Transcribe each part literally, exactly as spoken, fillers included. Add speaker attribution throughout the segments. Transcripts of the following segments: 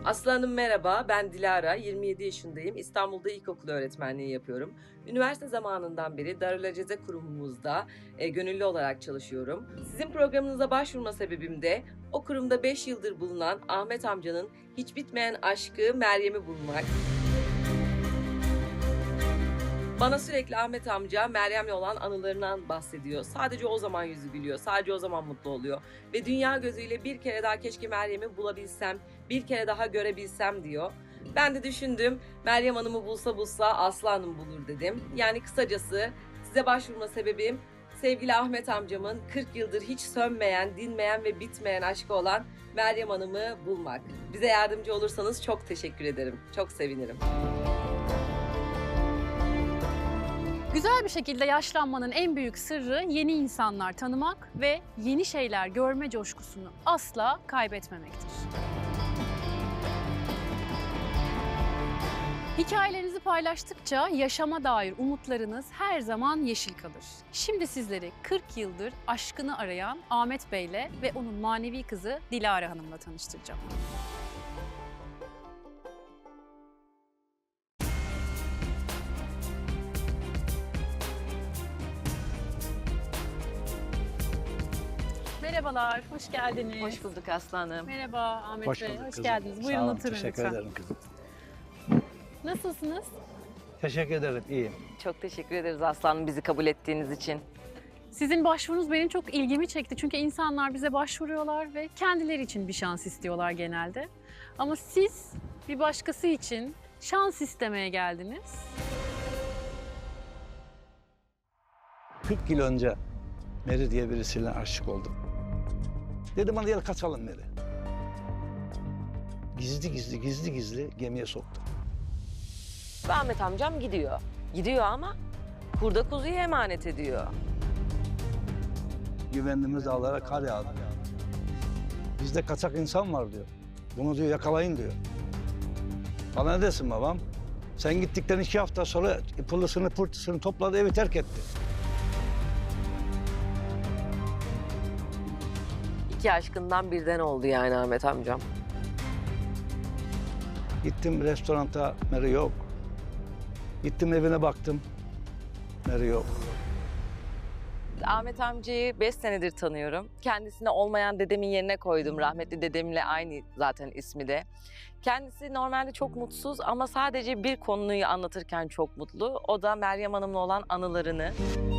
Speaker 1: Aslı Hanım merhaba, ben Dilara, yirmi yedi yaşındayım. İstanbul'da ilkokul öğretmenliği yapıyorum. Üniversite zamanından beri Darül Aceze kurumumuzda e, gönüllü olarak çalışıyorum. Sizin programınıza başvurma sebebim de o kurumda beş yıldır bulunan Ahmet amcanın hiç bitmeyen aşkı Meryem'i bulmak. Bana sürekli Ahmet amca Meryem'le olan anılarından bahsediyor. Sadece o zaman yüzü gülüyor, sadece o zaman mutlu oluyor. Ve dünya gözüyle bir kere daha keşke Meryem'i bulabilsem, bir kere daha görebilsem diyor. Ben de düşündüm, Meryem Hanım'ı bulsa bulsa Aslı Hanım bulur dedim. Yani kısacası size başvurma sebebim sevgili Ahmet amcamın kırk yıldır hiç sönmeyen, dinmeyen ve bitmeyen aşkı olan Meryem Hanım'ı bulmak. Bize yardımcı olursanız çok teşekkür ederim, çok sevinirim.
Speaker 2: Güzel bir şekilde yaşlanmanın en büyük sırrı yeni insanlar tanımak ve yeni şeyler görme coşkusunu asla kaybetmemektir. Hikayelerinizi paylaştıkça yaşama dair umutlarınız her zaman yeşil kalır. Şimdi sizleri kırk yıldır aşkını arayan Ahmet Bey'le ve onun manevi kızı Dilara Hanım'la tanıştıracağım. Merhabalar, hoş geldiniz.
Speaker 1: Hoş bulduk Aslı Hanım.
Speaker 2: Merhaba Ahmet
Speaker 3: Hoş
Speaker 2: Bey,
Speaker 3: bulduk
Speaker 2: hoş
Speaker 3: kızım.
Speaker 2: geldiniz.
Speaker 3: Sağ
Speaker 2: Buyurun
Speaker 3: olun,
Speaker 2: oturun
Speaker 3: teşekkür
Speaker 2: lütfen.
Speaker 3: ederim kızım.
Speaker 2: Nasılsınız?
Speaker 3: Teşekkür ederim, iyiyim.
Speaker 1: Çok teşekkür ederiz Aslı Hanım bizi kabul ettiğiniz için.
Speaker 2: Sizin başvurunuz benim çok ilgimi çekti. Çünkü insanlar bize başvuruyorlar ve kendileri için bir şans istiyorlar genelde. Ama siz bir başkası için şans istemeye geldiniz.
Speaker 3: kırk yıl önce Meri diye birisiyle aşık oldum. Dedim hadi gel kaçalım Meri. Gizli gizli gizli gizli gemiye soktum.
Speaker 4: Ve Ahmet amcam gidiyor. Gidiyor ama kurda kuzuyu emanet ediyor.
Speaker 3: Güvendiğimiz dağlara kar yağdı. Bizde kaçak insan var diyor. Bunu diyor yakalayın diyor. Bana ne desin babam? Sen gittikten iki hafta sonra pırlısını pırtısını topladı evi terk etti.
Speaker 4: İki aşkından birden oldu yani Ahmet amcam.
Speaker 3: Gittim restoranta Meri yok. Gittim evine baktım. Meri yok.
Speaker 4: Ahmet amcayı beş senedir tanıyorum. Kendisine olmayan dedemin yerine koydum. Rahmetli dedemle aynı zaten ismi de. Kendisi normalde çok mutsuz ama sadece bir konuyu anlatırken çok mutlu. O da Meryem Hanım'la olan anılarını.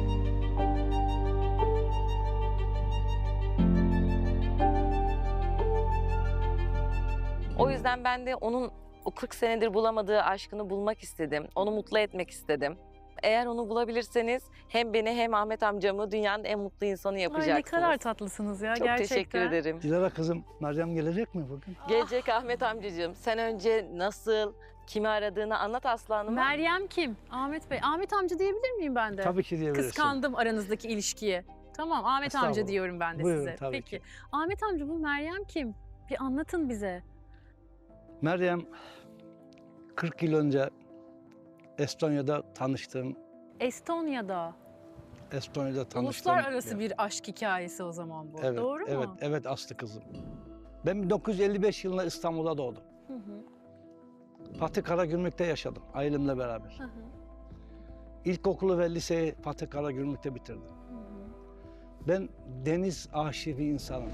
Speaker 4: O yüzden ben de onun o kırk senedir bulamadığı aşkını bulmak istedim. Onu mutlu etmek istedim. Eğer onu bulabilirseniz hem beni hem Ahmet amcamı dünyanın en mutlu insanı yapacaksınız.
Speaker 2: Ay ne kadar tatlısınız ya
Speaker 4: Çok
Speaker 2: gerçekten.
Speaker 4: teşekkür ederim.
Speaker 3: Dilara kızım, Meryem gelecek mi bugün?
Speaker 4: Gelecek Ahmet amcacığım. Sen önce nasıl, kimi aradığını anlat Aslı Hanım'a.
Speaker 2: Meryem kim? Ahmet Bey. Ahmet amca diyebilir miyim ben de?
Speaker 3: Tabii ki diyebilirsin.
Speaker 2: Kıskandım aranızdaki ilişkiye. Tamam Ahmet amca
Speaker 3: Estağfurullah.
Speaker 2: diyorum ben de
Speaker 3: Buyurun,
Speaker 2: size.
Speaker 3: tabii
Speaker 2: Peki.
Speaker 3: ki.
Speaker 2: Ahmet amca bu Meryem kim? Bir anlatın bize.
Speaker 3: Meryem, kırk yıl önce Estonya'da tanıştığım,
Speaker 2: Estonya'da.
Speaker 3: Estonya'da tanıştığım...
Speaker 2: Uluslararası bir aşk hikayesi o zaman bu.
Speaker 3: Evet,
Speaker 2: Doğru
Speaker 3: evet,
Speaker 2: mu?
Speaker 3: evet Aslı kızım. Ben bin dokuz yüz elli beş yılında İstanbul'da doğdum.
Speaker 2: Hı hı,
Speaker 3: Fatih Karagümrük'te yaşadım, ailemle beraber.
Speaker 2: hı hı,
Speaker 3: İlkokulu ve liseyi Fatih Karagümrük'te bitirdim.
Speaker 2: hı hı.
Speaker 3: Ben deniz aşığı bir insanım.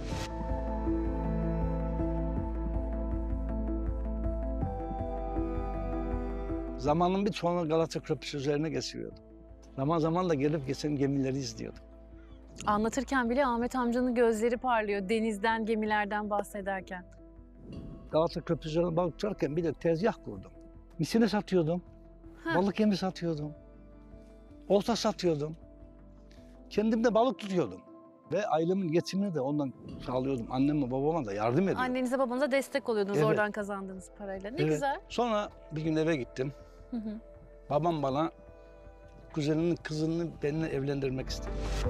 Speaker 3: Zamanın bir çoğunu Galata Köprüsü üzerine geçiriyordum. Zaman zaman da gelip geçen gemileri izliyordum.
Speaker 2: Anlatırken bile Ahmet amcanın gözleri parlıyor denizden, gemilerden bahsederken.
Speaker 3: Galata Köprüsü üzerine balık tutarken bir de tezgah kurdum. Misine satıyordum,
Speaker 2: Ha.
Speaker 3: balık yemi satıyordum, olta satıyordum. Kendim de balık tutuyordum. Ve ailemin geçimini de ondan sağlıyordum. Anneme babama da yardım ediyordum.
Speaker 2: Annenize babanıza destek oluyordunuz
Speaker 3: Evet.
Speaker 2: oradan kazandığınız parayla. Ne
Speaker 3: Evet.
Speaker 2: güzel.
Speaker 3: Sonra bir gün eve gittim.
Speaker 2: Hı hı.
Speaker 3: Babam bana kuzeninin kızını benimle evlendirmek istedi.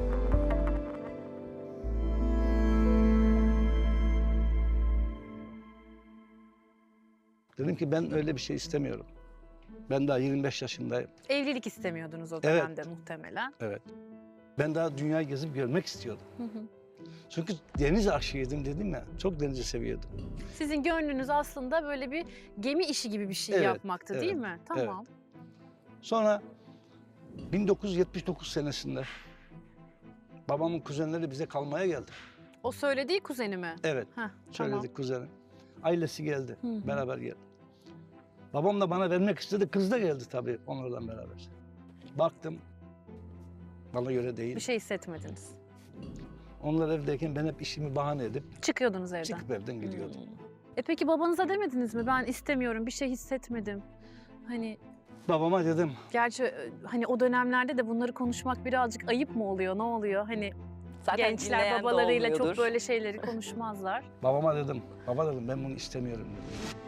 Speaker 3: Dedim ki ben öyle bir şey istemiyorum. Ben daha yirmi beş yaşındayım.
Speaker 2: Evlilik istemiyordunuz o
Speaker 3: Evet.
Speaker 2: dönemde muhtemelen.
Speaker 3: Evet. Ben daha dünyayı gezip görmek istiyordum.
Speaker 2: Hı hı.
Speaker 3: Çünkü deniz aşığıydım dedim ya. Çok denizi seviyordum.
Speaker 2: Sizin gönlünüz aslında böyle bir gemi işi gibi bir şey
Speaker 3: Evet,
Speaker 2: yapmaktı değil
Speaker 3: evet,
Speaker 2: mi? Tamam.
Speaker 3: Sonra bin dokuz yüz yetmiş dokuz senesinde babamın kuzenleri bize kalmaya geldi.
Speaker 2: O söylediği kuzeni mi?
Speaker 3: Evet,
Speaker 2: Heh,
Speaker 3: söyledik
Speaker 2: tamam.
Speaker 3: kuzenim. Ailesi geldi,
Speaker 2: Hı hı.
Speaker 3: beraber geldi. Babam da bana vermek istedi, kız da geldi tabii onlarla beraber. Baktım, bana göre değil.
Speaker 2: Bir şey hissetmediniz.
Speaker 3: Onlar evdeyken ben hep işimi bahane edip
Speaker 2: Çıkıyordunuz evden.
Speaker 3: çıkıp evden gidiyordum.
Speaker 2: E peki babanıza demediniz mi? Ben istemiyorum, bir şey hissetmedim. Hani
Speaker 3: Babama dedim,
Speaker 2: gerçi e, hani o dönemlerde de bunları konuşmak birazcık ayıp mı oluyor? Ne oluyor? Hani
Speaker 4: Zaten
Speaker 2: gençler
Speaker 4: dinleyen de
Speaker 2: babalarıyla çok
Speaker 4: olmuyordur.
Speaker 2: böyle şeyleri konuşmazlar.
Speaker 3: babama dedim, baba dedim ben bunu istemiyorum dedim.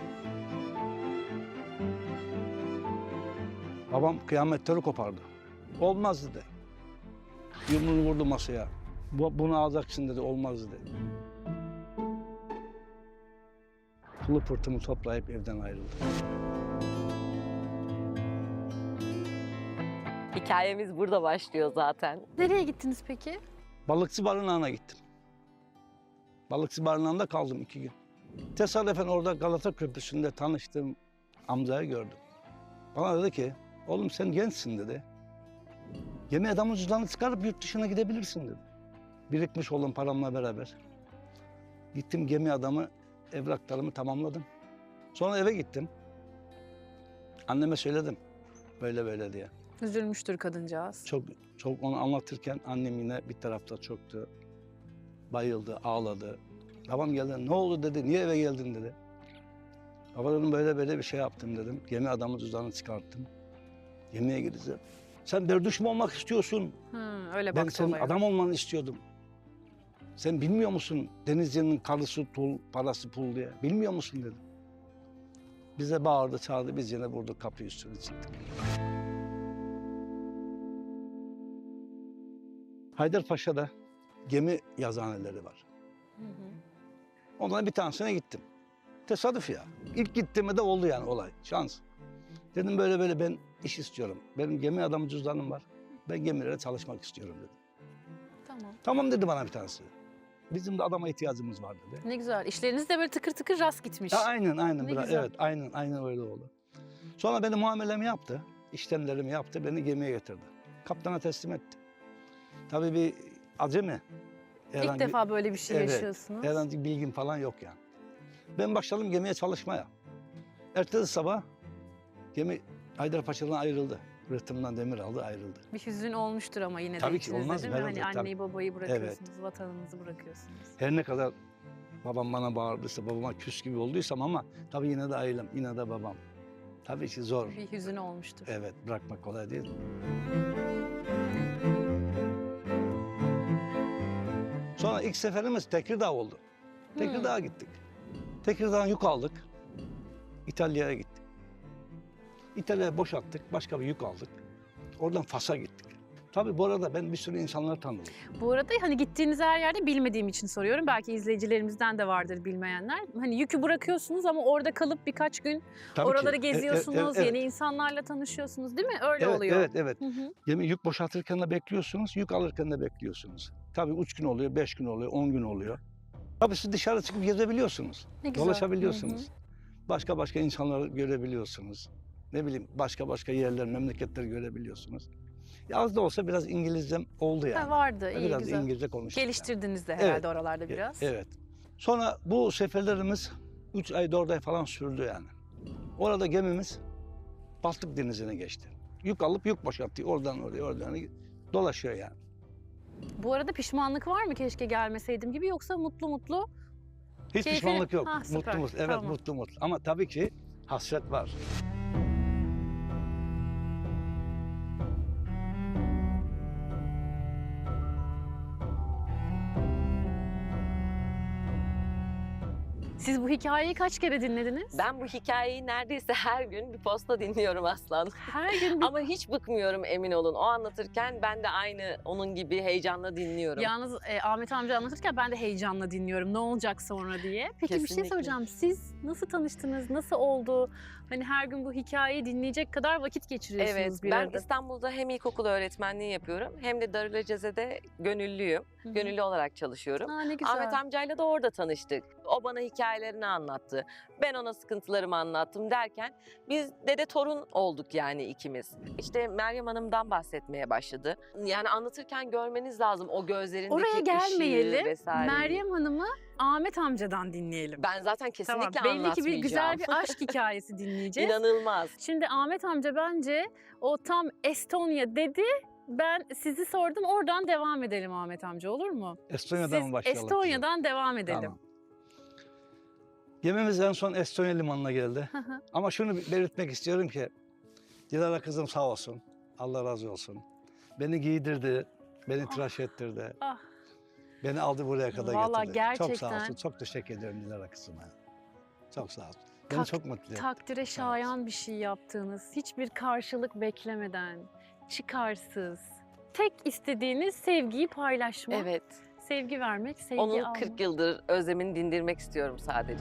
Speaker 3: Babam kıyametleri kopardı. Olmaz dedi. Yumruğunu vurdu masaya. Bu, bunu alacaksın dedi, olmaz dedi. Pulu pırtımı toplayıp evden ayrıldı.
Speaker 4: Hikayemiz burada başlıyor zaten.
Speaker 2: Nereye gittiniz peki?
Speaker 3: Balıkçı barınağına gittim. Balıkçı barınağında kaldım iki gün. Tesadüfen orada Galata Köprüsü'nde tanıştığım amcayı gördüm. Bana dedi ki, oğlum sen gençsin dedi. Gemi adamın cüzdanını çıkarıp yurt dışına gidebilirsin dedi. Birikmiş olan paramla beraber. Gittim gemi adamı, evraklarımı tamamladım. Sonra eve gittim. Anneme söyledim, böyle böyle diye.
Speaker 2: Üzülmüştür kadıncağız.
Speaker 3: Çok çok onu anlatırken annem yine bir tarafta çöktü. Bayıldı, ağladı. Babam geldi, ne oldu dedi, niye eve geldin dedi. Baba dedim böyle böyle bir şey yaptım dedim. Gemi adamın cüzdanını çıkarttım. Gemiye gideceğim. Sen berduş mu olmak istiyorsun?
Speaker 2: Hı, öyle
Speaker 3: Ben
Speaker 2: baktı
Speaker 3: senin
Speaker 2: olaya.
Speaker 3: adam olmanı istiyordum. Sen bilmiyor musun denizcinin karısı tul, parası pul diye? Bilmiyor musun dedim. Bize bağırdı, çağırdı, biz yine vurduk kapıyı üstüne çıktık. Haydarpaşa'da gemi yazıhaneleri var.
Speaker 2: Hı hı.
Speaker 3: Ondan bir tanesine gittim. Tesadüf ya. İlk gittiğimde de oldu yani olay. Şans. Dedim böyle böyle ben iş istiyorum. Benim gemi adamı cüzdanım var. Ben gemilere çalışmak istiyorum dedim.
Speaker 2: Tamam.
Speaker 3: Tamam dedi bana bir tanesi. Bizim de adama ihtiyacımız var dedi.
Speaker 2: Ne güzel. İşleriniz de böyle tıkır tıkır rast gitmiş.
Speaker 3: Ya aynen aynen.
Speaker 2: Ne
Speaker 3: Biraz,
Speaker 2: güzel.
Speaker 3: evet aynen aynen öyle oldu. Sonra beni muamelemi yaptı. İşlemlerimi yaptı. Beni gemiye getirdi. Kaptana teslim etti. Tabii bir acemi.
Speaker 2: İlk defa böyle bir şey
Speaker 3: Evet,
Speaker 2: yaşıyorsunuz.
Speaker 3: Herhangi bir bilgim falan yok yani. Ben başladım gemiye çalışmaya. Ertesi sabah gemi Haydarpaşa'dan ayrıldı. Rıhtımdan demir aldı, ayrıldı.
Speaker 2: Bir hüzün olmuştur ama yine de
Speaker 3: Tabii ki
Speaker 2: içinizde
Speaker 3: olmaz
Speaker 2: değil
Speaker 3: mı?
Speaker 2: mi? Hani
Speaker 3: Herhalde,
Speaker 2: anneyi babayı bırakıyorsunuz, vatanınızı bırakıyorsunuz.
Speaker 3: Her ne kadar babam bana bağırdıysa, babama küs gibi olduysam ama tabii yine de ailem, yine de babam. Tabii ki zor.
Speaker 2: Bir hüzün olmuştur.
Speaker 3: Evet, bırakmak kolay değil. Sonra ilk seferimiz Tekirdağ oldu. Tekirdağ'a gittik. Tekirdağ'dan yük aldık. İtalya'ya gittik. İtalya'ya boşalttık, başka bir yük aldık. Oradan Fas'a gittik. Tabii bu arada ben bir sürü insanları tanıdım.
Speaker 2: Bu arada hani gittiğiniz her yerde bilmediğim için soruyorum. Belki izleyicilerimizden de vardır bilmeyenler. Hani yükü bırakıyorsunuz ama orada kalıp birkaç gün
Speaker 3: Tabii
Speaker 2: oraları
Speaker 3: ki. E- e-
Speaker 2: geziyorsunuz,
Speaker 3: evet,
Speaker 2: yeni insanlarla tanışıyorsunuz değil mi? Öyle
Speaker 3: evet,
Speaker 2: oluyor.
Speaker 3: Evet, evet.
Speaker 2: Hı hı.
Speaker 3: Gemi yük boşaltırken de bekliyorsunuz, yük alırken de bekliyorsunuz. Tabii üç gün oluyor, beş gün oluyor, on gün oluyor. Tabii siz dışarı çıkıp gezebiliyorsunuz,
Speaker 2: Ne güzel.
Speaker 3: dolaşabiliyorsunuz.
Speaker 2: Hı hı.
Speaker 3: Başka başka insanları görebiliyorsunuz. Ne bileyim başka başka yerler, memleketleri görebiliyorsunuz. Ya az da olsa biraz İngilizcem oldu yani.
Speaker 2: Ha, vardı, iyi
Speaker 3: biraz
Speaker 2: güzel.
Speaker 3: İngilizce konuştum.
Speaker 2: Geliştirdiniz de
Speaker 3: Evet.
Speaker 2: herhalde oralarda
Speaker 3: Yani.
Speaker 2: biraz.
Speaker 3: E- Evet. Sonra bu seferlerimiz üç ay, dört ay falan sürdü yani. Orada gemimiz Baltık Denizi'ne geçti. Yük alıp yük boşalttı. Oradan oraya, oradan oraya dolaşıyor yani.
Speaker 2: Bu arada pişmanlık var mı keşke gelmeseydim gibi yoksa mutlu mutlu?
Speaker 3: Hiç
Speaker 2: Keyfi-
Speaker 3: pişmanlık yok.
Speaker 2: Ha, süper.
Speaker 3: Mutlu mutlu. Evet,
Speaker 2: Tamam.
Speaker 3: mutlu mutlu. Ama tabii ki hasret var.
Speaker 2: Siz bu hikayeyi kaç kere dinlediniz?
Speaker 4: Ben bu hikayeyi neredeyse her gün bir posta dinliyorum Aslan.
Speaker 2: Her gün bir...
Speaker 4: Ama hiç bıkmıyorum emin olun. O anlatırken ben de aynı onun gibi heyecanla dinliyorum.
Speaker 2: Yalnız e, Ahmet amca anlatırken ben de heyecanla dinliyorum ne olacak sonra diye. Peki bir şey
Speaker 4: Kesinlikle.
Speaker 2: soracağım. Siz nasıl tanıştınız? Nasıl oldu? Hani her gün bu hikayeyi dinleyecek kadar vakit geçiriyorsunuz
Speaker 4: Evet,
Speaker 2: bir
Speaker 4: ben
Speaker 2: arada.
Speaker 4: İstanbul'da hem ilkokul öğretmenliği yapıyorum hem de Darüleceze'de gönüllüyüm.
Speaker 2: hı.
Speaker 4: Gönüllü olarak çalışıyorum.
Speaker 2: Aa, ne güzel.
Speaker 4: Ahmet amcayla da orada tanıştık. O bana hikayelerini anlattı. Ben ona sıkıntılarımı anlattım derken biz dede torun olduk yani ikimiz. İşte Meryem Hanım'dan bahsetmeye başladı. Yani anlatırken görmeniz lazım o gözlerindeki
Speaker 2: Oraya gelmeyelim.
Speaker 4: ışığı vesaire.
Speaker 2: Meryem Hanım'ı Ahmet amcadan dinleyelim.
Speaker 4: Ben zaten kesinlikle
Speaker 2: Tamam, belli ki bir güzel
Speaker 4: anlatmayacağım.
Speaker 2: bir aşk hikayesi dinleyeceğiz.
Speaker 4: İnanılmaz.
Speaker 2: Şimdi Ahmet amca bence o tam Estonya dedi. Ben sizi sordum. Oradan devam edelim Ahmet amca, olur mu?
Speaker 3: Estonya'dan mı
Speaker 2: Siz
Speaker 3: başlayalım?
Speaker 2: Estonya'dan devam edelim.
Speaker 3: Tamam. Gemimiz en son Estonya limanına geldi.
Speaker 2: Hı hı.
Speaker 3: Ama şunu belirtmek istiyorum ki Dilara kızım sağ olsun. Allah razı olsun. Beni giydirdi, beni tıraş ettirdi.
Speaker 2: Ah.
Speaker 3: Beni aldı buraya kadar
Speaker 2: Vallahi
Speaker 3: getirdi. Çok sağ
Speaker 2: gerçekten-
Speaker 3: olsun. Çok teşekkür ederim Dilara kızıma. Çok sağ olsun. Beni
Speaker 2: Tak-
Speaker 3: çok mutlu etti.
Speaker 2: Takdire şayan bir şey yaptığınız, hiçbir karşılık beklemeden, çıkarsız, tek istediğiniz sevgiyi paylaşmak,
Speaker 4: Evet.
Speaker 2: sevgi vermek, sevgi
Speaker 4: Onun
Speaker 2: almak.
Speaker 4: kırk yıldır özlemini dindirmek istiyorum sadece.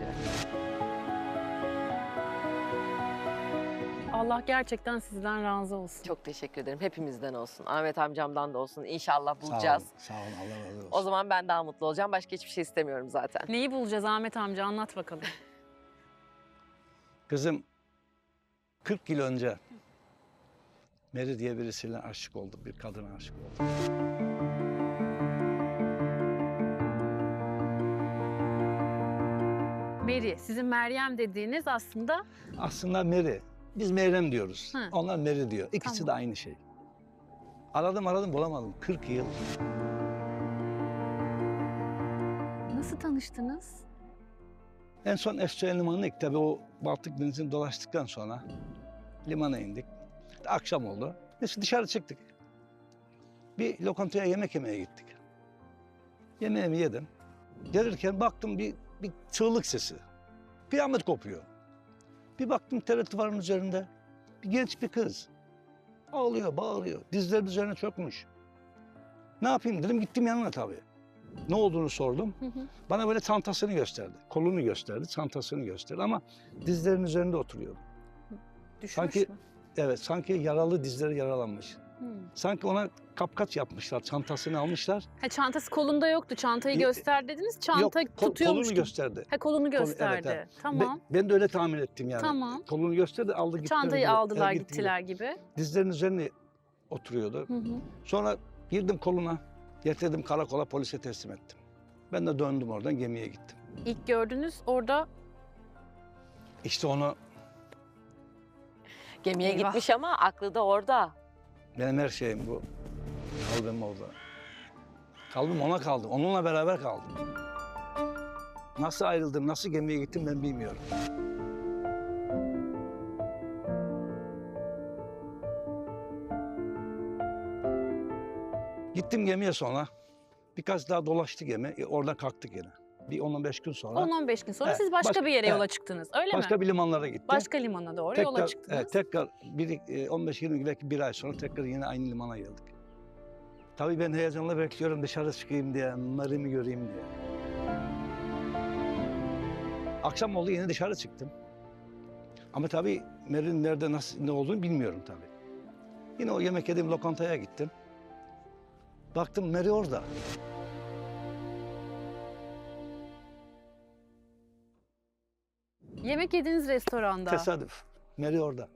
Speaker 2: Allah gerçekten sizden razı olsun.
Speaker 4: Çok teşekkür ederim. Hepimizden olsun. Ahmet amcamdan da olsun. İnşallah
Speaker 3: Sağ
Speaker 4: bulacağız.
Speaker 3: olun, sağ olun. Allah razı olsun.
Speaker 4: O zaman ben daha mutlu olacağım. Başka hiçbir şey istemiyorum zaten.
Speaker 2: Neyi bulacağız Ahmet amca, anlat bakalım.
Speaker 3: Kızım kırk yıl önce Meri diye birisiyle aşık oldu. Bir kadına aşık oldu.
Speaker 2: Mary, sizin Meryem dediğiniz aslında
Speaker 3: Aslında Meri. Biz Meryem diyoruz.
Speaker 2: Hı.
Speaker 3: Onlar Meri diyor. İkisi
Speaker 2: Tamam.
Speaker 3: de aynı şey. Aradım aradım bulamadım. kırk yıl.
Speaker 2: nasıl tanıştınız?
Speaker 3: En son Estonya limanına ilk tabii o Baltık Denizi'ni dolaştıktan sonra limana indik. Akşam oldu. Biz dışarı çıktık. Bir lokantaya yemek yemeye gittik. Yemeğimi yedim. Gelirken baktım bir, bir çığlık sesi. Kıyamet kopuyor. Bir baktım T R T duvarının üzerinde bir genç bir kız. Ağlıyor, bağırıyor. Dizleri üzerine çökmüş. Ne yapayım dedim, gittim yanına tabii. Ne olduğunu sordum.
Speaker 2: Hı hı.
Speaker 3: Bana böyle çantasını gösterdi. Kolunu gösterdi, çantasını gösterdi ama dizlerinin üzerinde oturuyordu.
Speaker 2: Düşmüş
Speaker 3: Sanki-
Speaker 2: mü?
Speaker 3: Evet, sanki yaralı, dizleri yaralanmış.
Speaker 2: Hı.
Speaker 3: Sanki ona kapkaç yapmışlar, çantasını almışlar.
Speaker 2: Ha, çantası kolunda yoktu. Çantayı
Speaker 3: Yok,
Speaker 2: göster dediniz. Çanta
Speaker 3: Yok, kol-
Speaker 2: tutuyormuş
Speaker 3: kolunu
Speaker 2: gibi.
Speaker 3: gösterdi.
Speaker 2: Ha, kolunu
Speaker 3: evet,
Speaker 2: gösterdi.
Speaker 3: evet.
Speaker 2: Tamam.
Speaker 3: Ben, ben de öyle tahmin ettim yani.
Speaker 2: Tamam.
Speaker 3: Kolunu gösterdi, aldı gitti.
Speaker 2: Çantayı aldılar gittiler gibi.
Speaker 3: Dizlerinin üzerine oturuyordu.
Speaker 2: Hı hı.
Speaker 3: Sonra girdim koluna, getirdim karakola, polise teslim ettim. Ben de döndüm oradan, gemiye gittim.
Speaker 2: İlk gördünüz orada
Speaker 3: İşte onu,
Speaker 4: Gemiye
Speaker 2: Eyvah.
Speaker 4: gitmiş ama aklı da orada.
Speaker 3: benim her şeyim bu. Kalbim orada. Kalbim ona kaldı, onunla beraber kaldım. Nasıl ayrıldım, nasıl gemiye gittim ben bilmiyorum. Gittim gemiye sonra. Birkaç daha dolaştı gemi. E, orada kalktık yine. Bir on on beş gün sonra
Speaker 2: on on beş gün sonra
Speaker 3: Evet,
Speaker 2: siz başka
Speaker 3: baş-
Speaker 2: bir yere
Speaker 3: evet.
Speaker 2: yola çıktınız. Öyle
Speaker 3: başka
Speaker 2: mi?
Speaker 3: bir limanlara gittik.
Speaker 2: Başka limana doğru
Speaker 3: tekrar,
Speaker 2: yola çıktınız.
Speaker 3: evet, tekrar bir, e, on beş yirmi belki bir ay sonra tekrar yine aynı limana geldik. Tabii ben heyecanla bekliyorum dışarı çıkayım diye, Meryem'i göreyim diye. Akşam oldu yine dışarı çıktım. Ama tabii Meryem'in nerede nasıl ne olduğunu bilmiyorum tabii. Yine o yemek yediğim lokantaya gittim. Baktım Meri orada.
Speaker 2: Yemek yediğiniz restoranda.
Speaker 3: Tesadüf. Meri orada.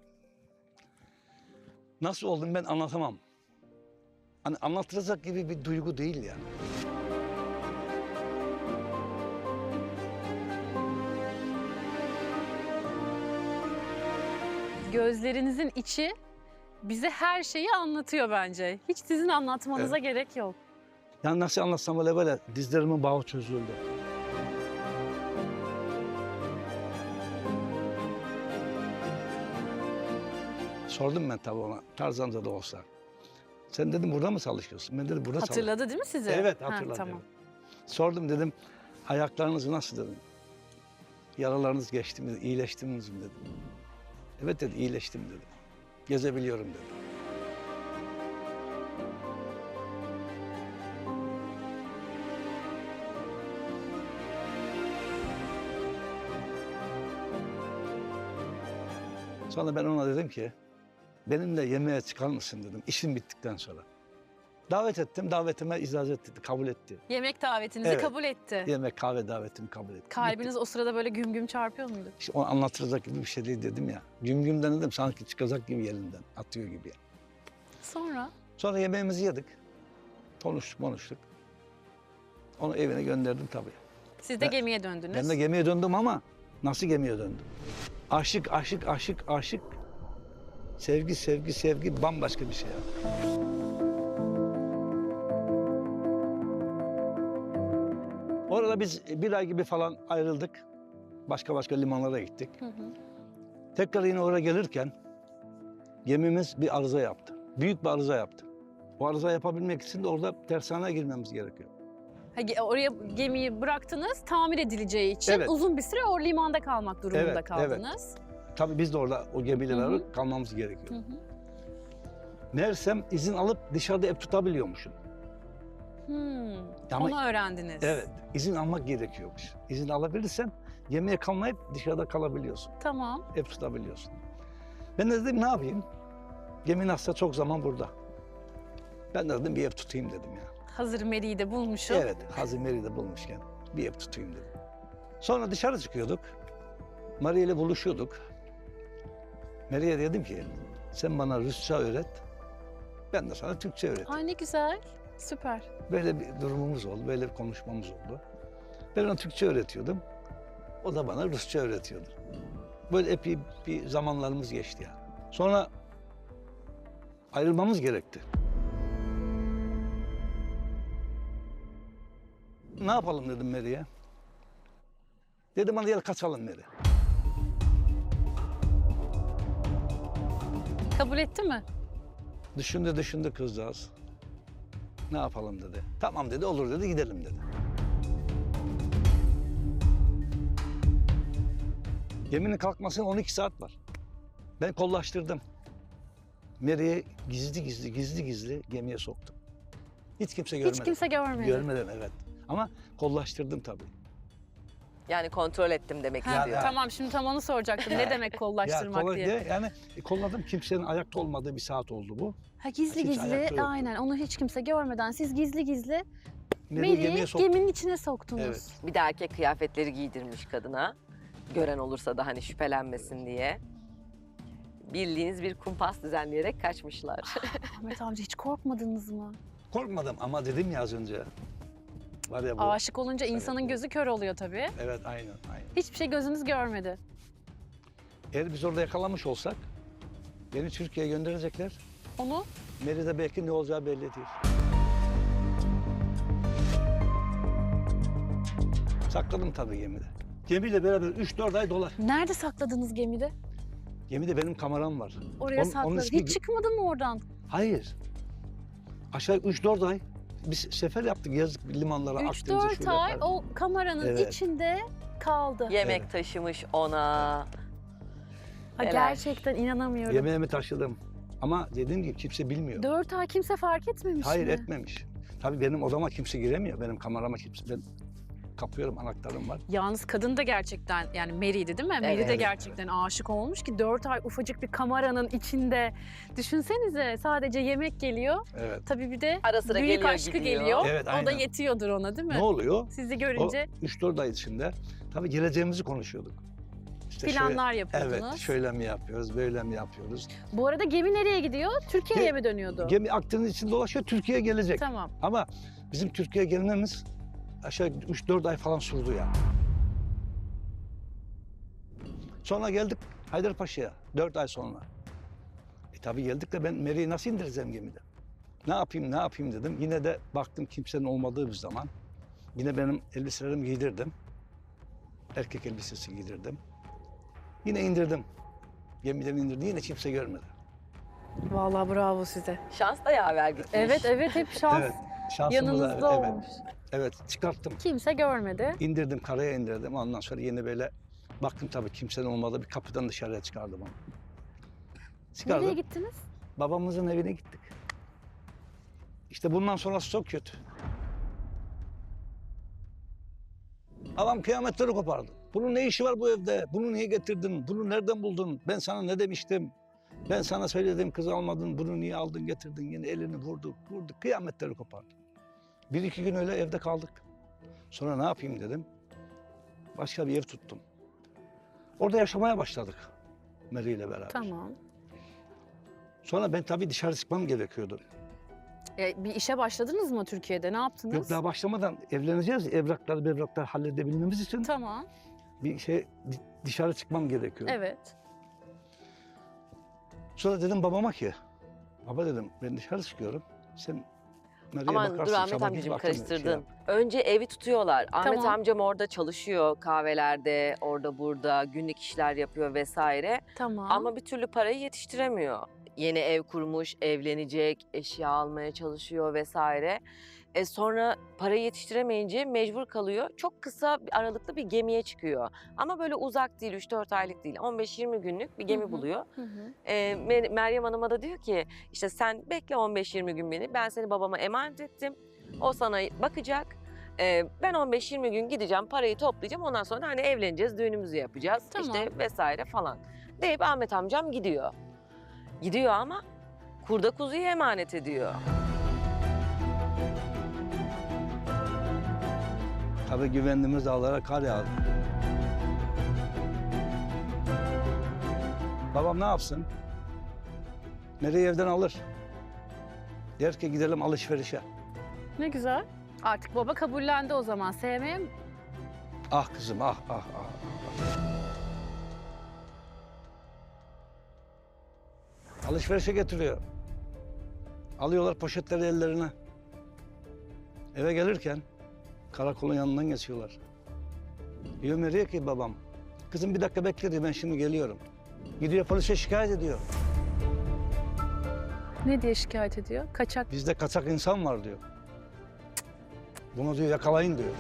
Speaker 3: Nasıl oldum ben anlatamam. Hani anlatılacak gibi bir duygu değil yani.
Speaker 2: Gözlerinizin içi bize her şeyi anlatıyor bence. Hiç sizin anlatmanıza gerek yok.
Speaker 3: Yani nasıl anlatsam böyle böyle dizlerimin bağı çözüldü. Sordum ben tabii ona, Tarzan'da da olsa. Sen dedim burada mı çalışıyorsun? Ben dedim burada çalışıyorum.
Speaker 2: Hatırladı değil mi sizi?
Speaker 3: Evet
Speaker 2: Ha,
Speaker 3: hatırladım.
Speaker 2: tamam.
Speaker 3: Sordum dedim, ayaklarınız nasıl dedim. Yaralarınız geçti mi, iyileştiniz mi dedim. Evet dedi, iyileştim dedi. Gezebiliyorum dedi. Sonra ben ona dedim ki, benimle yemeğe çıkar mısın dedim, işim bittikten sonra. Davet ettim, davetime icazet etti, kabul etti.
Speaker 2: Yemek davetinizi
Speaker 3: Evet.
Speaker 2: kabul etti.
Speaker 3: Yemek, kahve davetimi kabul etti.
Speaker 2: Kalbiniz o sırada böyle güm güm çarpıyor muydu?
Speaker 3: İşte o anlatılacak gibi bir şey değil dedim ya. Güm gümden dedim sanki çıkacak gibi yerinden, atıyor gibi. Yani.
Speaker 2: Sonra?
Speaker 3: Sonra yemeğimizi yedik. Konuştuk, konuştuk. Onu evine gönderdim tabii.
Speaker 2: Siz de
Speaker 3: Ben-
Speaker 2: gemiye döndünüz.
Speaker 3: Ben de gemiye döndüm ama nasıl gemiye döndüm? Aşık, aşık, aşık, aşık. Sevgi, sevgi, sevgi bambaşka bir şey. Ya. Orada biz bir ay gibi falan ayrıldık. Başka başka limanlara gittik.
Speaker 2: Hı hı.
Speaker 3: Tekrar yine oraya gelirken gemimiz bir arıza yaptı. Büyük bir arıza yaptı. O arıza yapabilmek için de orada tersaneye girmemiz gerekiyor.
Speaker 2: Ha, ge- oraya gemiyi bıraktınız, tamir edileceği için
Speaker 3: Evet.
Speaker 2: uzun bir süre o limanda kalmak durumunda
Speaker 3: Evet, evet.
Speaker 2: kaldınız.
Speaker 3: Tabii biz de orada o gemiyle
Speaker 2: Hı hı.
Speaker 3: beraber kalmamız gerekiyor.
Speaker 2: Hı hı.
Speaker 3: Meğersem izin alıp dışarıda ev tutabiliyormuşum.
Speaker 2: Hmm,
Speaker 3: Ama-
Speaker 2: Onu öğrendiniz.
Speaker 3: Evet, izin almak gerekiyormuş. İzin alabilirsen gemiye kalmayıp dışarıda kalabiliyorsun.
Speaker 2: Tamam.
Speaker 3: Ev tutabiliyorsun. Ben de dedim ne yapayım? Gemi nasılsa çok zaman burada. Ben de dedim bir ev tutayım dedim ya.
Speaker 2: Hazır Mary'i de bulmuşum.
Speaker 3: Evet, Hazır Mary'i bulmuşken bir ev tutayım dedim. Sonra dışarı çıkıyorduk. Maria ile buluşuyorduk. Mary'e dedim ki sen bana Rusça öğret. Ben de sana Türkçe öğreteyim.
Speaker 2: Ay ne güzel. Süper.
Speaker 3: Böyle bir durumumuz oldu, böyle bir konuşmamız oldu. Ben ona Türkçe öğretiyordum. O da bana Rusça öğretiyordu. Böyle epey bir zamanlarımız geçti yani. Sonra ayrılmamız gerekti. Ne yapalım dedim Mary'e. Dedim hadi gel kaçalım Mary.
Speaker 2: Kabul etti mi?
Speaker 3: Düşündü düşündü kızcağız. Ne yapalım dedi. Tamam dedi, olur dedi, gidelim dedi. Geminin kalkmasına on iki saat var. Ben kollaştırdım. Mary'i gizli gizli gizli gizli gemiye soktum. Hiç kimse görmedi.
Speaker 2: Hiç kimse görmedi.
Speaker 3: Görmeden evet. Ama kollaştırdım tabii.
Speaker 4: Yani kontrol ettim demek
Speaker 2: Ha,
Speaker 4: istiyor.
Speaker 2: tamam şimdi tam onu soracaktım. Ne demek kollaştırmak
Speaker 3: kolla-
Speaker 2: diye.
Speaker 3: de- Yani e, kolladım, kimsenin ayakta olmadığı bir saat oldu bu.
Speaker 2: Ha gizli
Speaker 3: Kimse ayakta
Speaker 2: gizli
Speaker 3: yoktu.
Speaker 2: aynen onu hiç kimse görmeden siz gizli gizli
Speaker 3: Mary'i gemiye
Speaker 2: Mary'i
Speaker 3: soktum.
Speaker 2: geminin içine soktunuz.
Speaker 3: Evet.
Speaker 4: Bir de erkek kıyafetleri giydirmiş kadına. Gören olursa da hani şüphelenmesin diye. Bildiğiniz bir kumpas düzenleyerek kaçmışlar.
Speaker 2: Ahmet amca hiç korkmadınız mı?
Speaker 3: Korkmadım ama dedim ya az önce. Var ya bu.
Speaker 2: Aşık olunca insanın
Speaker 3: bu.
Speaker 2: gözü kör oluyor tabii.
Speaker 3: Evet aynen aynen.
Speaker 2: Hiçbir şey gözünüz görmedi.
Speaker 3: Eğer biz orada yakalamış olsak beni Türkiye'ye gönderecekler.
Speaker 2: Onu
Speaker 3: Mary'de belki ne olacağı belli değil. Sakladım tabii gemide. Gemiyle beraber üç dört ay dolar.
Speaker 2: nerede sakladınız gemide?
Speaker 3: Gemide benim kameram var.
Speaker 2: Oraya
Speaker 3: Onun- onun
Speaker 2: sakladınız.
Speaker 3: ismi-
Speaker 2: Hiç çıkmadı mı oradan?
Speaker 3: Hayır. Aşağı üç dört ay biz sefer yaptık yazık limanlara,
Speaker 2: üç
Speaker 3: Akdeniz'e,
Speaker 2: dört
Speaker 3: şuraya
Speaker 2: ay
Speaker 3: kadar.
Speaker 2: o kameranın
Speaker 3: Evet.
Speaker 2: içinde kaldı.
Speaker 4: Yemek
Speaker 3: Evet.
Speaker 4: taşımış ona.
Speaker 2: Ha,
Speaker 4: Neler?
Speaker 2: gerçekten inanamıyorum.
Speaker 3: Yemeğimi taşıdım. Ama dediğim gibi kimse bilmiyor.
Speaker 2: Dört ay kimse fark etmemiş
Speaker 3: Hayır
Speaker 2: mi?
Speaker 3: etmemiş. Tabii benim odama kimse giremiyor. Benim kamerama kimse... Ben kapıyorum, anahtarım var.
Speaker 2: Yalnız kadın da gerçekten yani Mary'di değil mi? Mary de
Speaker 4: Evet,
Speaker 2: gerçekten aşık olmuş ki dört ay ufacık bir kameranın içinde. Düşünsenize sadece yemek geliyor.
Speaker 3: Evet.
Speaker 2: Tabii bir de
Speaker 4: Ara sıra
Speaker 2: büyük
Speaker 4: geliyor
Speaker 2: aşkı
Speaker 4: gidiyor.
Speaker 2: geliyor.
Speaker 3: Evet,
Speaker 2: O da
Speaker 3: aynen.
Speaker 2: yetiyordur ona değil mi?
Speaker 3: Ne oluyor?
Speaker 2: Sizi
Speaker 3: O
Speaker 2: görünce
Speaker 3: üç dört ay içinde tabii geleceğimizi konuşuyorduk. İşte
Speaker 2: planlar
Speaker 3: şöyle-
Speaker 2: yapıyordunuz.
Speaker 3: Evet, şöyle mi yapıyoruz, böyle mi yapıyoruz?
Speaker 2: Bu arada gemi nereye gidiyor? Türkiye'ye
Speaker 3: Ge-
Speaker 2: mi dönüyordu?
Speaker 3: Gemi Akdeniz içinde dolaşıyor, Türkiye'ye gelecek.
Speaker 2: Tamam.
Speaker 3: Ama bizim Türkiye'ye gelmemiz aşağı üç dört ay falan sürdü ya. Sonra geldik Haydarpaşa'ya, dört ay sonra. E tabii geldik de ben Mary'i nasıl indireceğim gemide? Ne yapayım, ne yapayım dedim. Yine de baktım kimsenin olmadığı bir zaman. Yine benim elbiselerimi giydirdim. Erkek elbisesi giydirdim. Yine indirdim. Gemiden indirdim. Yine kimse görmedi.
Speaker 2: Vallahi bravo size.
Speaker 4: Şans da yaver gitmiş.
Speaker 2: Evet evet hep şans
Speaker 3: Evet. Şansımız
Speaker 2: yanınızda
Speaker 3: da- evet.
Speaker 2: olmuş.
Speaker 3: Evet, çıkarttım.
Speaker 2: Kimse görmedi.
Speaker 3: İndirdim, karaya indirdim. Ondan sonra yine böyle baktım tabii kimsenin olmadığı bir kapıdan dışarıya çıkardım onu. Çıkardım.
Speaker 2: Nereye gittiniz?
Speaker 3: Babamızın evine gittik. İşte bundan sonrası çok kötü. Adam kıyametleri kopardı. Bunun ne işi var bu evde? Bunu niye getirdin? Bunu nereden buldun? Ben sana ne demiştim? Ben sana söyledim kız almadın, bunu niye aldın getirdin, yine elini vurdu, vurdu, kıyametleri kopardı. Bir iki gün öyle evde kaldık. Sonra ne yapayım dedim, başka bir ev tuttum. Orada yaşamaya başladık Mary ile beraber.
Speaker 2: Tamam.
Speaker 3: Sonra ben tabii dışarı çıkmam gerekiyordu.
Speaker 2: E, bir işe başladınız mı Türkiye'de? Ne yaptınız?
Speaker 3: Yok daha başlamadan evleneceğiz, evrakları evraklar halledebilmemiz için
Speaker 2: Tamam.
Speaker 3: bir şey dışarı çıkmam gerekiyordu.
Speaker 2: Evet.
Speaker 3: Sonra dedim babama ki, baba dedim ben dışarı çıkıyorum, sen Mary'e
Speaker 4: Aman
Speaker 3: bakarsın.
Speaker 4: dur Ahmet
Speaker 3: sana
Speaker 4: amcacığım
Speaker 3: biz bakalım, şey
Speaker 4: karıştırdın.
Speaker 3: yap.
Speaker 4: Önce evi tutuyorlar. Ahmet
Speaker 2: Tamam.
Speaker 4: amcam orada çalışıyor kahvelerde, orada burada günlük işler yapıyor vesaire.
Speaker 2: Tamam.
Speaker 4: Ama bir türlü parayı yetiştiremiyor. Yeni ev kurmuş, evlenecek, eşya almaya çalışıyor vesaire. E sonra parayı yetiştiremeyince mecbur kalıyor. Çok kısa bir aralıklı bir gemiye çıkıyor. Ama böyle uzak değil, üç dört aylık değil. on beş yirmi günlük bir gemi
Speaker 2: Hı hı.
Speaker 4: buluyor.
Speaker 2: Hı hı.
Speaker 4: E, Mer- Meryem Hanım'a da diyor ki işte sen bekle on beş yirmi gün beni. Ben seni babama emanet ettim. O sana bakacak. E, ben on beş yirmi gün gideceğim, parayı toplayacağım. Ondan sonra hani evleneceğiz, düğünümüzü yapacağız.
Speaker 2: Tamam.
Speaker 4: İşte vesaire falan. Deyip Ahmet amcam gidiyor. Gidiyor ama kurda kuzuyu emanet ediyor.
Speaker 3: Tabii güvendiğimiz dağlara kar yağdı. Babam ne yapsın? Mary'i evden alır. Der ki gidelim alışverişe.
Speaker 2: Ne güzel. Artık baba kabullendi o zaman. Sevmeye mi?
Speaker 3: Ah kızım ah ah ah. Alışverişe getiriyor. Alıyorlar poşetleri ellerine. Eve gelirken karakolun yanından geçiyorlar. Diyor Mary'e ki babam, kızım bir dakika bekle diyor, ben şimdi geliyorum. Gidiyor polise şikayet ediyor.
Speaker 2: Ne diye şikayet ediyor? Kaçak.
Speaker 3: Bizde kaçak insan var diyor. Bunu diyor yakalayın diyor.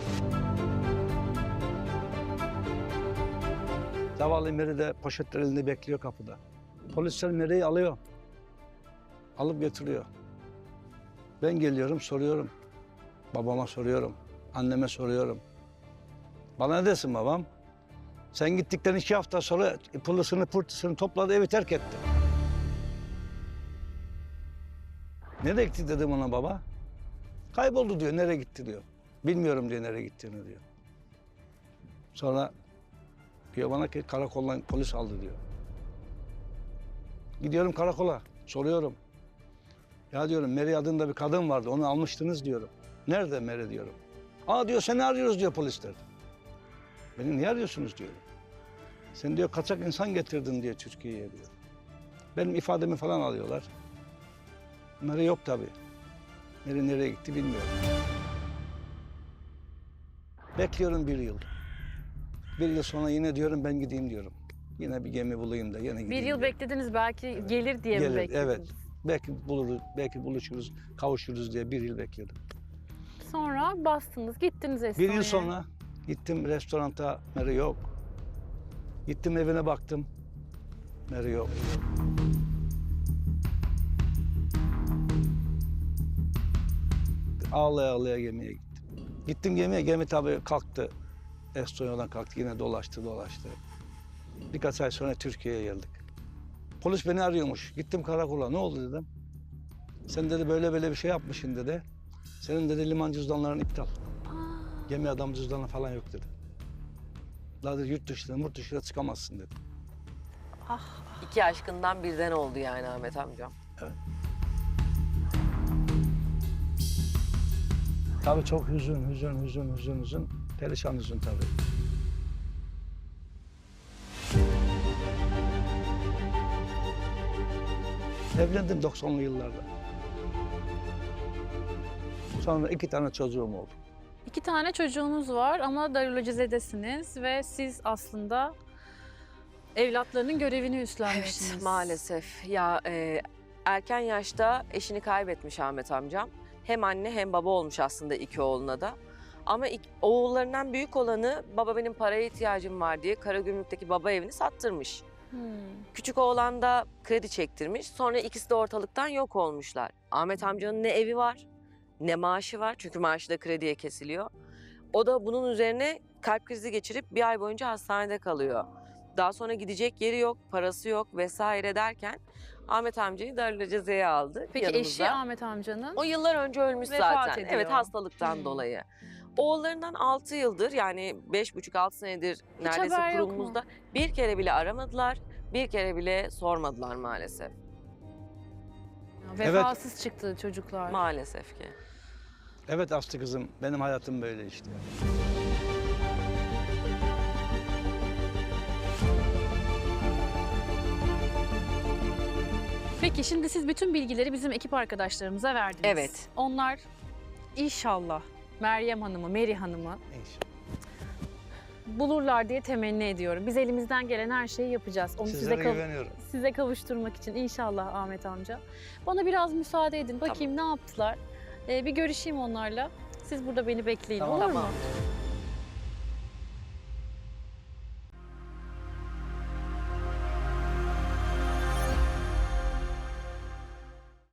Speaker 3: Zavallı Mary de poşetler elinde bekliyor kapıda. Polisler Mary'i alıyor. Alıp getiriyor. Ben geliyorum soruyorum. Babama soruyorum. Anneme soruyorum. Bana ne desin babam? Sen gittikten iki hafta sonra pılısını pırtısını topladı, evi terk etti. Nereye gitti dedim ona baba. Kayboldu diyor, nereye gitti diyor. Bilmiyorum diyor nereye gittiğini diyor. Sonra diyor bana ki karakoldan polis aldı diyor. Gidiyorum karakola, soruyorum. Ya diyorum Mary adında bir kadın vardı, onu almıştınız diyorum. Nerede Mary diyorum. Aa diyor seni arıyoruz diyor polisler. Beni niye arıyorsunuz diyorum. Sen diyor kaçak insan getirdin diyor Türkiye'ye diyor. Benim ifademi falan alıyorlar. Mary yok tabii. Mary nereye gitti bilmiyorum. Bekliyorum bir yıl. Bir yıl sonra yine diyorum ben gideyim diyorum. Yine bir gemi bulayım da yine gideyim
Speaker 2: Bir yıl
Speaker 3: diyorum.
Speaker 2: beklediniz belki gelir diye mi
Speaker 3: Gelir,
Speaker 2: beklediniz?
Speaker 3: evet. Belki buluruz, belki buluşuruz, kavuşuruz diye bir yıl bekledim.
Speaker 2: Sonra bastınız, gittiniz
Speaker 3: Bir
Speaker 2: Estonya'ya.
Speaker 3: yıl sonra gittim restoranta, Mary yok. Gittim evine baktım, Mary yok. Ağlaya ağlaya gemiye gittim. Gittim gemiye, gemi tabii kalktı. Estonya'dan kalktı, yine dolaştı dolaştı. Birkaç ay sonra Türkiye'ye geldik. Polis beni arıyormuş. Gittim karakola, ne oldu dedim. Sen dedi böyle böyle bir şey yapmışsın dedi. Senin dedi liman cüzdanların iptal. Gemi adam cüzdanı falan yok dedi. Daha dedi yurt dışına, yurt dışına çıkamazsın dedi.
Speaker 4: İki aşkından birden oldu yani Ahmet amcam.
Speaker 3: Tabii çok hüzün, hüzün, hüzün, hüzün, hüzün. Perişan hüzün tabii. Evlendim doksanlı yıllarda. Sonra iki tane çocuğum oldu.
Speaker 2: İki tane çocuğunuz var ama darülacizedesiniz ve siz aslında evlatlarının görevini üstlenmişsiniz.
Speaker 4: Evet maalesef. Ya e, erken yaşta eşini kaybetmiş Ahmet amcam. Hem anne hem baba olmuş aslında iki oğluna da. Ama ilk, oğullarından büyük olanı baba benim paraya ihtiyacım var diye Karagümrük'teki baba evini sattırmış.
Speaker 2: Hmm.
Speaker 4: Küçük oğlan da kredi çektirmiş. Sonra ikisi de ortalıktan yok olmuşlar. Ahmet amcanın ne evi var ne maaşı var. Çünkü maaşı da krediye kesiliyor. O da bunun üzerine kalp krizi geçirip bir ay boyunca hastanede kalıyor. Daha sonra gidecek yeri yok, parası yok vesaire derken Ahmet amcayı darülacezeye aldı
Speaker 2: Peki
Speaker 4: yanımıza.
Speaker 2: eşi Ahmet amcanın?
Speaker 4: O yıllar önce ölmüş
Speaker 2: Vefat
Speaker 4: zaten.
Speaker 2: ediyor.
Speaker 4: Evet, hastalıktan
Speaker 2: Hmm.
Speaker 4: dolayı. Oğullarından altı yıldır, yani beş buçuk altı senedir neredeyse
Speaker 2: haber yok mu?
Speaker 4: kurumumuzda bir kere bile aramadılar, bir kere bile sormadılar maalesef.
Speaker 2: Vefasız çıktı çocuklar.
Speaker 4: Maalesef ki.
Speaker 3: Evet Aslı kızım, benim hayatım böyle işte.
Speaker 2: Peki şimdi siz bütün bilgileri bizim ekip arkadaşlarımıza verdiniz.
Speaker 4: Evet.
Speaker 2: Onlar inşallah Meryem Hanım'ı, Meri Hanım'ı
Speaker 3: İnşallah.
Speaker 2: bulurlar diye temenni ediyorum. Biz elimizden gelen her şeyi yapacağız. Onu
Speaker 3: Sizlere
Speaker 2: size, kav-
Speaker 3: güveniyorum.
Speaker 2: size kavuşturmak için inşallah Ahmet amca. Bana biraz müsaade edin. Bakayım ne yaptılar. Ee, bir görüşeyim onlarla. Siz burada beni bekleyin,
Speaker 3: Tamam.
Speaker 2: olur mu?
Speaker 4: Tamam.